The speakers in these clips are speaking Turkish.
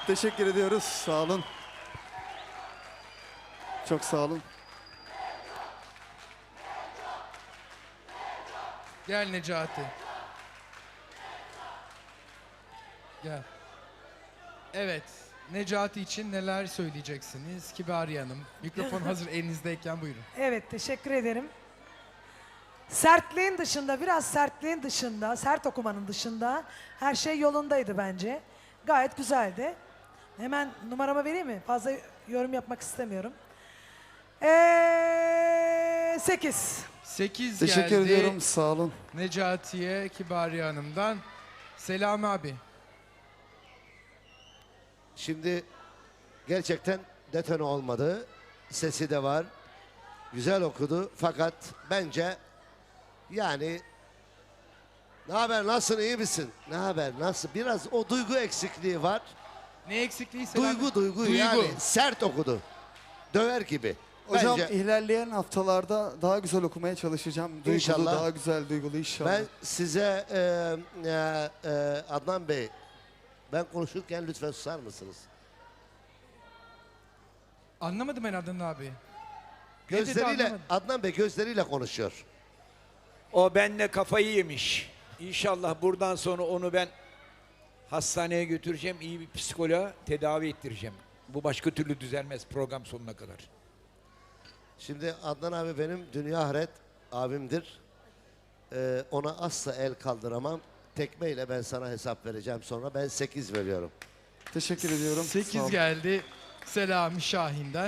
Teşekkür ediyoruz. Sağ olun. Çok sağ olun. Gel Necati. Gel. Evet. Necati için neler söyleyeceksiniz? Kibariye Hanım. Mikrofon hazır elinizdeyken buyurun. Evet, teşekkür ederim. Sertliğin dışında, biraz sertliğin dışında, sert okumanın dışında her şey yolundaydı bence. Gayet güzeldi. Hemen numaramı vereyim mi? Fazla yorum yapmak istemiyorum. 8. 8 Teşekkür geldi. ediyorum. Sağ olun. Necati'ye Kibariye Hanım'dan. Selami abi. Şimdi gerçekten detone olmadı. Sesi de var. Güzel okudu fakat bence yani ne haber, nasılsın, iyi misin? Ne haber, nasıl? Biraz o duygu eksikliği var. Ne eksikliği Selami? Duygu yani sert okudu. Döver gibi. Hocam Bence ilerleyen haftalarda daha güzel okumaya çalışacağım. Duygulu, İnşallah. daha güzel duygulu inşallah. ben size Adnan Bey, ben konuşurken lütfen susar mısınız? Anlamadım ben Adnan abi. Ne dedi Gözleriyle, anlamadım. Adnan Bey gözleriyle konuşuyor. O benimle kafayı yemiş. İnşallah buradan sonra onu ben hastaneye götüreceğim. İyi bir psikoloğa tedavi ettireceğim. Bu başka türlü düzelmez program sonuna kadar. Şimdi Adnan abi benim dünya ahiret abimdir. Ona asla el kaldıramam. Tekmeyle ben sana hesap vereceğim sonra. Ben 8 veriyorum. Teşekkür ediyorum. Sağ 8 olun. geldi Selami Şahin'den.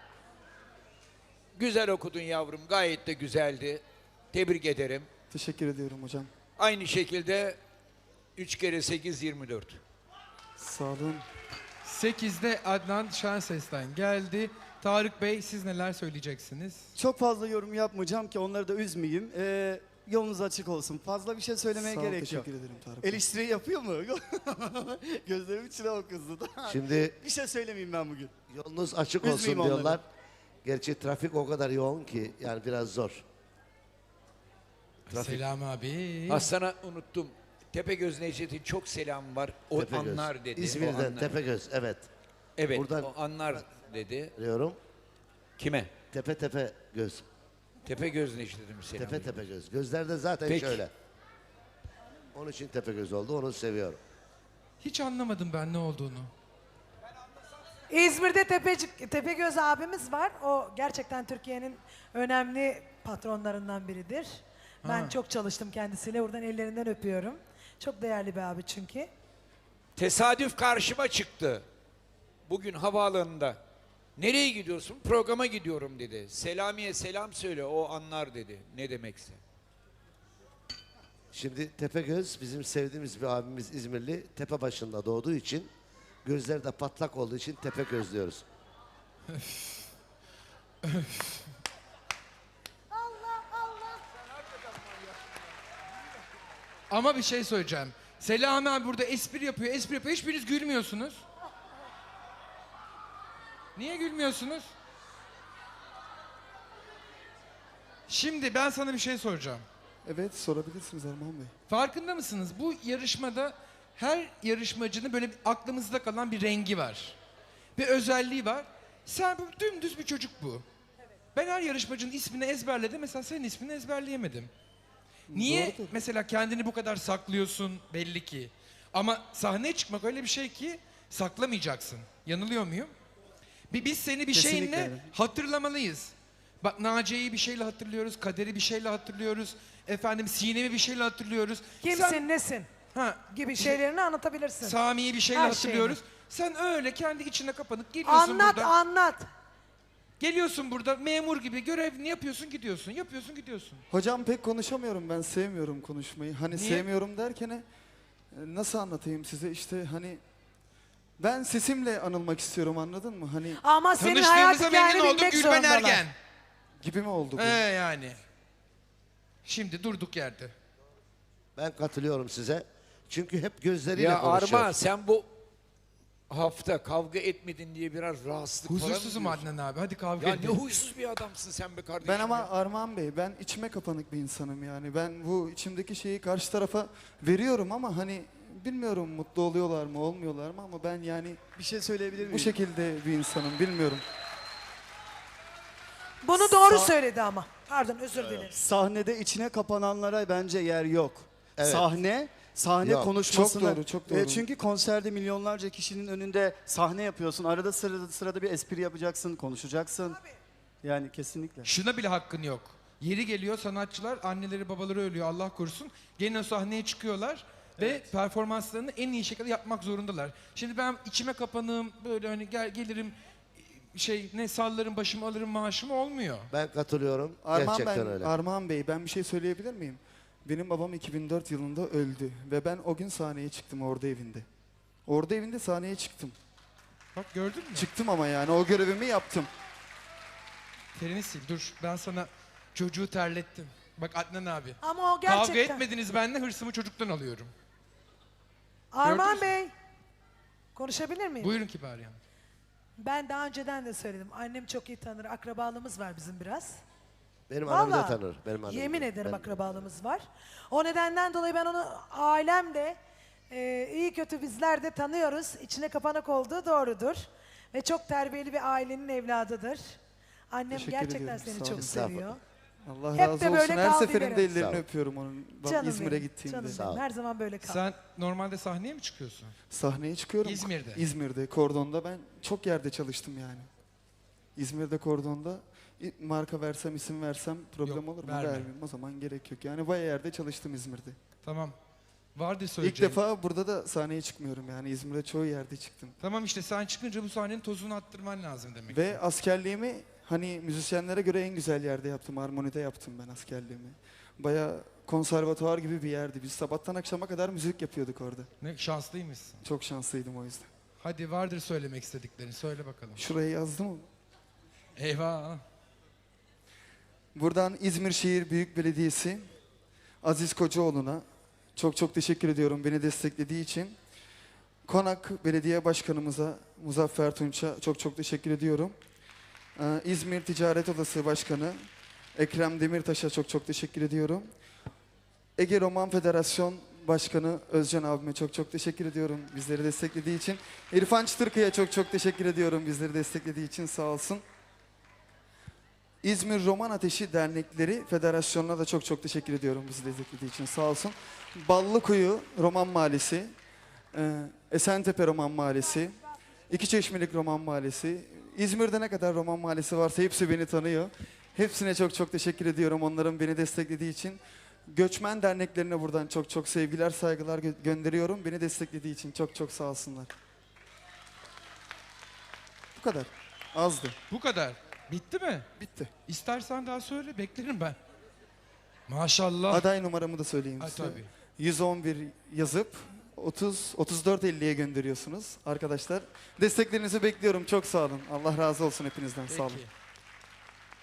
Güzel okudun yavrum. Gayet de güzeldi. Tebrik ederim. Teşekkür ediyorum hocam. Aynı şekilde 3 kere 8 24. Sağ olun. 8'de Adnan Şenses'ten geldi. Tarık Bey siz neler söyleyeceksiniz? Çok fazla yorum yapmayacağım ki onları da üzmeyeyim. Yolunuz açık olsun. Fazla bir şey söylemeye Sağ ol, gerek yok. teşekkür ederim Tarık Bey. Eleştiri yapıyor mu? Gözlerim içine o kızdı. Şimdi Bir şey söylemeyeyim ben bugün. yolunuz açık Üzmeyeyim olsun onları. diyorlar. Gerçi trafik o kadar yoğun ki yani biraz zor. Trafik. Selami abi. Hasan'a unuttum. Tepegöz Necdet'in çok selam var. O Tepegöz. anlar dedi. O İzmir'den anlar. Tepegöz, evet. Evet Buradan- o anlar dedi. Diyorum. Kime? Tepe göz. Tepegöz Necdet'im selam. Tepe göz. Gözlerde zaten Peki. şöyle. Onun için tepe göz oldu. Onu seviyorum. Hiç anlamadım ben ne olduğunu. İzmir'de Tepegöz abimiz var. O gerçekten Türkiye'nin önemli patronlarından biridir. Ben Ha. çok çalıştım kendisiyle. Buradan ellerinden öpüyorum. Çok değerli bir abi çünkü. Tesadüf karşıma çıktı. Bugün havaalanında. Nereye gidiyorsun? Programa gidiyorum dedi. Selami'ye selam söyle o anlar dedi. Ne demekse. Şimdi Tepegöz bizim sevdiğimiz bir abimiz İzmirli. Tepe başında doğduğu için gözleri de patlak olduğu için Tepegöz diyoruz. Ama bir şey söyleyeceğim. Selami abi burada espri yapıyor. Hiçbiriniz gülmüyorsunuz. Niye gülmüyorsunuz? Şimdi ben sana bir şey soracağım. Evet sorabilirsiniz Armağan Bey. Farkında mısınız? Bu yarışmada her yarışmacının böyle bir aklımızda kalan bir rengi var. Bir özelliği var. Sen bu dümdüz bir çocuk bu. Ben her yarışmacının ismini ezberledim. Mesela senin ismini ezberleyemedim. Niye Doğrudur. mesela kendini bu kadar saklıyorsun belli ki. Ama sahneye çıkmak öyle bir şey ki saklamayacaksın. Yanılıyor muyum? Biz seni bir Kesinlikle şeyinle öyle. hatırlamalıyız. Bak Naciye'yi bir şeyle hatırlıyoruz, Kader'i bir şeyle hatırlıyoruz. Efendim Sinem'i bir şeyle hatırlıyoruz. Kimsin, Sen- nesin Ha, gibi şeylerini anlatabilirsin. Sami'yi bir şeyle Her hatırlıyoruz. Sen öyle kendi içine kapanıp geliyorsun Anlat, burada. anlat. Geliyorsun burada memur gibi görevini yapıyorsun gidiyorsun. Yapıyorsun gidiyorsun. Hocam pek konuşamıyorum ben. Sevmiyorum konuşmayı. Hani Niye? sevmiyorum derken nasıl anlatayım size işte hani ben sesimle anılmak istiyorum anladın mı? Hani Ama senin hayat Tanıştığımıza hikayeni memnun oldum bilmek Gülben zorundalar. Ergen. gibi mi oldu bu? Yani. Şimdi durduk yerde. Ben katılıyorum size. Çünkü hep gözleriyle Ya konuşuyor. Arma sen bu hafta kavga etmedin diye biraz rahatsızlık falan mı Huzursuzum diyorsun? Adnan abi. Hadi kavga Ya ne edelim. huysuz bir adamsın sen be kardeşim. Ben ama ya. Armağan Bey ben içime kapanık bir insanım yani. Ben bu içimdeki şeyi karşı tarafa veriyorum ama hani bilmiyorum mutlu oluyorlar mı olmuyorlar mı ama ben yani Bir şey söyleyebilir miyim? bu şekilde bir insanım bilmiyorum. Bunu doğru Sa- söyledi ama. Pardon, özür dilerim. Sahnede içine kapananlara bence yer yok. Evet. Sahne Yok. konuşmasına. Çok doğru, çok doğru. Çünkü konserde milyonlarca kişinin önünde sahne yapıyorsun. Arada sırada bir espri yapacaksın, konuşacaksın. Yani kesinlikle. Şuna bile hakkın yok. Yeri geliyor sanatçılar, anneleri babaları ölüyor Allah korusun. Gene o sahneye çıkıyorlar ve performanslarını en iyi şekilde yapmak zorundalar. Şimdi ben içime kapanığım, böyle hani gelirim sallarım başımı alırım maaşımı olmuyor. Ben katılıyorum. Gerçekten öyle. Armağan Bey ben bir şey söyleyebilir miyim? Benim babam 2004 yılında öldü ve ben o gün sahneye çıktım orada evinde. Orada evinde sahneye çıktım. Bak gördün mü? Çıktım ama yani o görevimi yaptım. Terini sil dur ben sana çocuğu terlettim. Bak Adnan abi. Ama o Kavga gerçekten. etmediniz benimle hırsımı çocuktan alıyorum. Armağan Gördünüz Bey, konuşabilir miyim? Buyurun Kibarya. Ben daha önceden de söyledim. Annem çok iyi tanır. Akrabalığımız var bizim biraz. Benim annem de Vallahi, tanır. Benim annem yemin de. ederim Ben- akrabalığımız var. O nedenden dolayı ben onu ailem de iyi kötü bizler de tanıyoruz. İçine kapanık olduğu doğrudur. Ve çok terbiyeli bir ailenin evladıdır. Annem Teşekkür gerçekten ediyorum, seni sağ çok olun. seviyor. Allah Hep razı de olsun. böyle Her kal seferinde dilerim. Sağ ellerini ol. öpüyorum onun. Canım İzmir'e benim, gittiğimde. canım Sağ ol. benim. Her zaman böyle kal. Sen normalde sahneye mi çıkıyorsun? Sahneye çıkıyorum. İzmir'de. İzmir'de, Kordon'da ben çok yerde çalıştım yani. İzmir'de, Kordon'da marka versem, isim versem problem Yok, olur mu? verme. Vermeyeyim. O zaman gerek yok. Yani bayağı yerde çalıştım İzmir'de. Tamam. Vardı İlk söyleyeceğim. defa burada da sahneye çıkmıyorum yani. İzmir'de çoğu yerde çıktım. Tamam işte sen çıkınca bu sahnenin tozunu attırman lazım demek. Ve askerliğimi hani müzisyenlere göre en güzel yerde yaptım. Harmonide yaptım ben askerliğimi. Bayağı konservatuvar gibi bir yerdi. Biz sabahtan akşama kadar müzik yapıyorduk orada. Ne şanslıymışsın. Çok şanslıydım o yüzden. Hadi vardır söylemek istediklerini söyle bakalım. Şurayı yazdım mı? Eyvah. Buradan İzmir Şehir Büyük Belediyesi Aziz Kocaoğlu'na çok çok teşekkür ediyorum beni desteklediği için. Konak Belediye Başkanımıza Muzaffer Tunç'a çok çok teşekkür ediyorum. İzmir Ticaret Odası Başkanı Ekrem Demirtaş'a çok çok teşekkür ediyorum. Ege Roman Federasyon Başkanı Özcan abime çok çok teşekkür ediyorum bizleri desteklediği için. İrfan Çıtırkı'ya çok çok teşekkür ediyorum bizleri desteklediği için sağ olsun. İzmir Roman Ateşi Dernekleri Federasyonu'na da çok çok teşekkür ediyorum bizi desteklediği için sağ olsun. Ballıkuyu Roman Mahallesi, Esentepe Roman Mahallesi, İkiçeşmelik Roman Mahallesi, İzmir'de ne kadar Roman Mahallesi varsa hepsi beni tanıyor. Hepsine çok çok teşekkür ediyorum onların beni desteklediği için. Göçmen derneklerine buradan çok çok sevgiler, saygılar gönderiyorum. Beni desteklediği için çok çok sağ olsunlar. Bu kadar. Azdı. Bu kadar. Bitti mi? Bitti. İstersen daha söyle beklerim ben. Maşallah. Aday numaramı da söyleyeyim Ay, size. tabii. 111 yazıp 34.50'ye gönderiyorsunuz arkadaşlar. Desteklerinizi bekliyorum. Çok sağ olun. Allah razı olsun hepinizden. Sağ olun. Peki.